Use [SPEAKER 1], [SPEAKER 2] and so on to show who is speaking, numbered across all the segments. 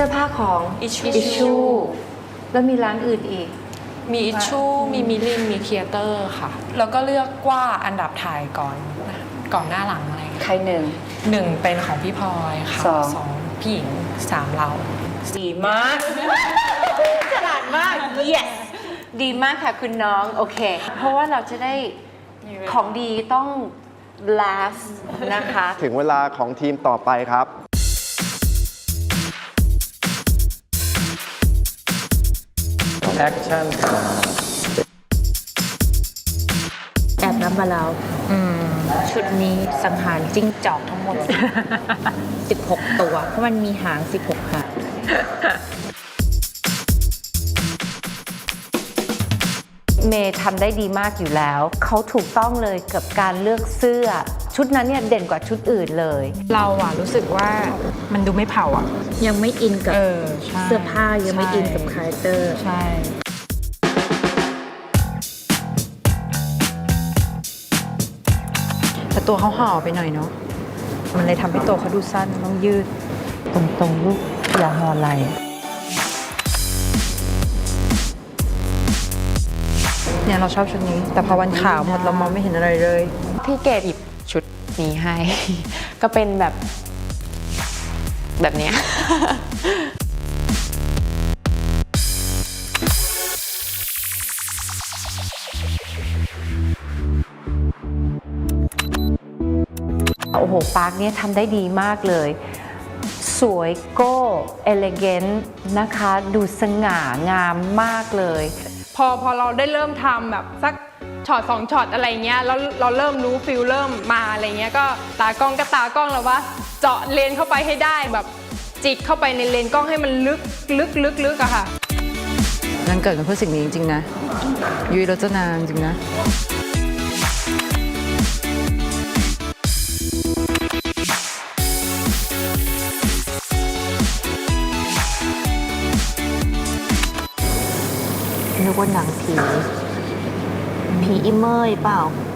[SPEAKER 1] สื้อผ้าของ
[SPEAKER 2] อิชชู
[SPEAKER 1] แล้วมีร้านอื่นอีก
[SPEAKER 2] มีอิชชูมีมิลินมีเคียเตอร์ค่ะแล้วก็เลือกว่าอันดับถ่ายก่อนหน้าหลังอะไร
[SPEAKER 1] ใครหนึ่ง
[SPEAKER 2] เป็นของพี่พลอยค่ะสองพี่หญิง3เรา
[SPEAKER 1] ดีมากฉลาดมาก yes ดีมากค่ะคุณน้องโอเคเพราะว่าเราจะได้ของดีต้อง last นะคะ
[SPEAKER 3] ถึงเวลาของทีมต่อไปครับแอคชั่น
[SPEAKER 1] แอบนับมาแล้วชุดนี้สังหารจิ้งจอกทั้งหมด 16 ตัวเพราะมันมีหาง 16 หางเมย์ทำได้ดีมากอยู่แล้วเขาถูกต้องเลยกับการเลือกเสื้อชุดนั้นเนี่ยเด่นกว่าชุดอื่นเลย
[SPEAKER 2] เราอะรู้สึกว่ามันดูไม่เผาอะ
[SPEAKER 1] ยังไม่อินกับเสื้อผ้ายังไม่อินกับคาแรคเตอร์
[SPEAKER 2] ใช่แต่ตัวเขาห่อไปหน่อยเนาะมันเลยทำให้ตัวเขาดูสั้นต้องยืด
[SPEAKER 1] ตรงลูกอย่าห่อไหล
[SPEAKER 2] เนี่ยเราชอบชุดนี้แต่พอวันขาวหมดเรามองไม่เห็นอะไรเลย
[SPEAKER 4] พี่เกดหยิบชุดนี้ให้ ก็เป็นแบบเนี้ย
[SPEAKER 1] โอ้โหปาร์คเนี่ยทำได้ดีมากเลยสวยโก้เอเลเกนต์นะคะดูสง่างามมากเลย
[SPEAKER 5] พอเราได้เริ่มทำแบบสักช็อต2ช็อตอะไรเงี้ยแล้วเราเริ่มรู้ฟิลเริ่มมาอะไรเงี้ยก็ตากล้องแล้วว่าเจาะเลนเข้าไปให้ได้แบบจิกเข้าไปในเลนกล้องให้มันลึกอะค่ะ
[SPEAKER 2] นั่นเกิดกันเพื่อสิ่งนี้จริงๆนะยุ้ยรจนาจริงนะ
[SPEAKER 1] นึกว่าหนังผีอิเมย์เปล่า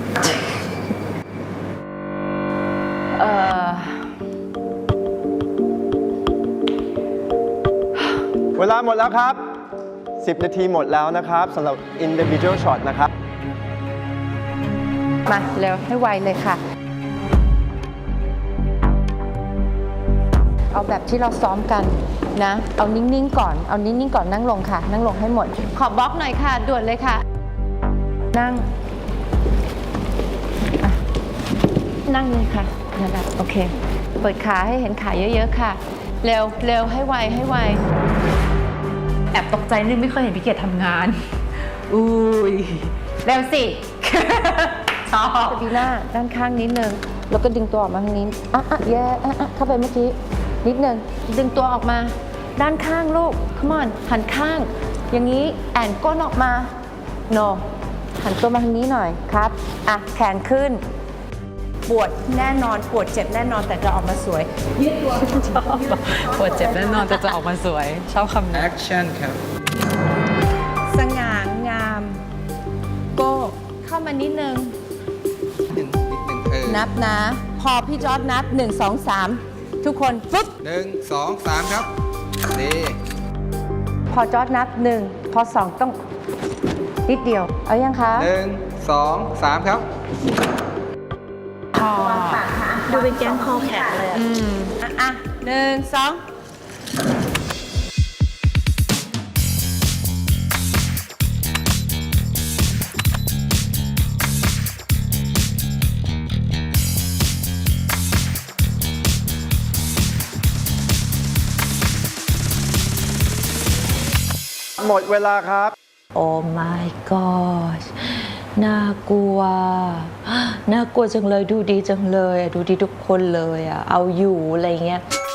[SPEAKER 3] เวลาหมดแล้วครับ10 นาทีหมดแล้วนะครับสำหรับ individual shot นะครับ
[SPEAKER 1] มาเร็วให้ไวเลยค่ะเอาแบบที่เราซ้อมกันนะเอานิ่งๆก่อนนั่งลงค่ะนั่งลงให้หมดขอบล็อกหน่อยค่ะด่วนเลยค่ะนั่งเลยค่ะนั่นแหละโอเคเปิดขาให้เห็นขาเยอะๆค่ะเร็วให้ไวแอบตกใจนึงไม่เคยเห็นพี่เกดทำงานอุ้ยเร็วสิชอบบีหน้าด้านข้างนิดนึงแล้วก็ดึงตัวออกมาทางนี้แย่เข้าไปเมื่อกี้นิดนึงดึงตัวออกมาด้านข้างลูก come on หันข้างอย่างนี้แอนก้นออกมา no หันตัวมาทางนี้หน่อยครับแขนขึ้นปวดแน่นอนปวดเจ็บแน่นอนแต่จะออกมาสวยยืดตัวชอบ
[SPEAKER 2] ปวดเจ็บแน่นอนแต่จะออกมาสวยชอบคำนี้
[SPEAKER 3] action ครับ
[SPEAKER 1] สง่างามโก้เข้ามานิดนึงนับนะพอพี่จอร์จนับ1 2 3ทุกคนฟึ๊บ
[SPEAKER 3] 1 2 3ครับดี
[SPEAKER 1] พอจอร์จนับ1พอ2ต้องนิดเดียวเอายังคะ
[SPEAKER 3] 1 2 3ครับ
[SPEAKER 1] พอดูเป็นแก๊งคอแข็งเลย1 2
[SPEAKER 3] หมดเวลาครับ
[SPEAKER 1] โอ้ my god น่ากลัวจังเลยดูดีจังเลยดูดีทุกคนเลยเอาอยู่อะไรเงี้ย